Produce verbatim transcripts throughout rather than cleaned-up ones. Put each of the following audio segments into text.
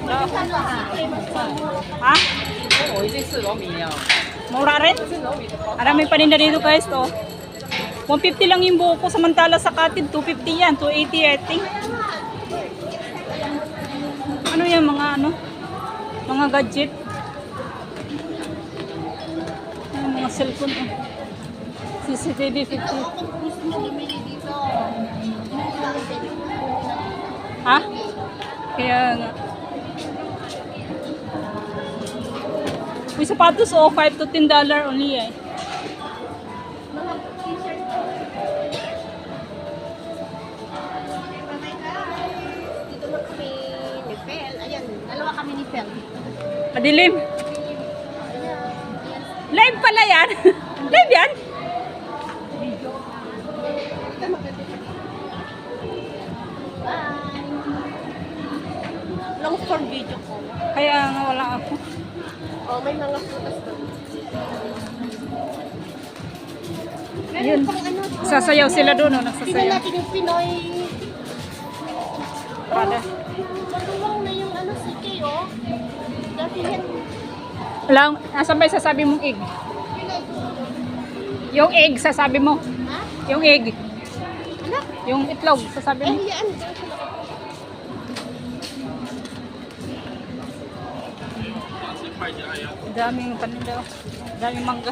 Ha? Mura rin? Maraming paninda dito guys to. one fifty lang yung buko samantala sa Katid two fifty yan, two eighty I think. Ano yan mga ano? Mga gadget. Ay, mga cellphone oh. C C T V fifty. Ha? Kaya nga. May sapatos o, five to ten dollar only eh. Dito na kami ni Fel. Ayan, dalawa kami ni Fel. Madilim. Live pala yan. Live yan. Bye! Long form video ko. Kaya nga wala ako. Oh, may mga photos doon. Ayun. Meron pang ano, Sasayaw sila doon, no? tingnan Nagsasayaw. natin yung Pinoy. Prada. Matuwang na yung ano si Kay, oh. Dati yan. Lang, asan ba yung sasabi mong egg? Yung egg, sasabi mo. Ha? Yung egg. Anak? Yung itlog, sasabi Eh, mo. yan. Daming paninda. Daming mangga.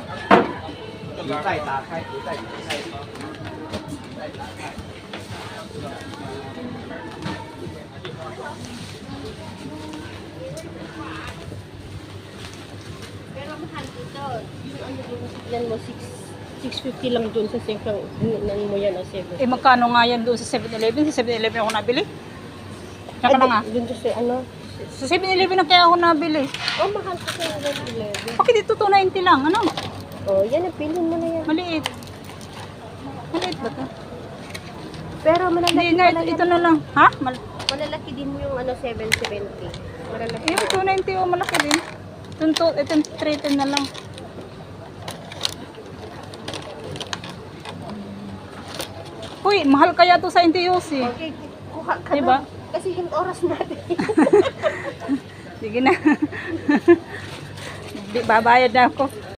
Pero mahal dito. Yung ano dun, yan mo, six fifty lang dun sa singkang, nan mo yan, o seven. Eh magkano nga yan doon sa seven eleven? Sa seven eleven ako nabili. Saka na nga. Dun sa ano. Sa seven eleven na kaya ako nabili. Oh, mahal ko sa seven eleven. Bakit dito two ninety lang? Ano? Oh, yan, napilin mo na yan. Maliit. Maliit ba ito? Pero malalaki Hindi nga, pala ito, yan. ito na lang. Ha? Mal Malalaki din mo yung ano, seven seventy. Malalaki. eh, two ninety o malaki din. Ito, ito, three ten na lang. Uy, mahal kaya to sa N T U C. Okay, kuha ka Diba? na. Kasi yung oras natin. Sige na. Babayad na ako.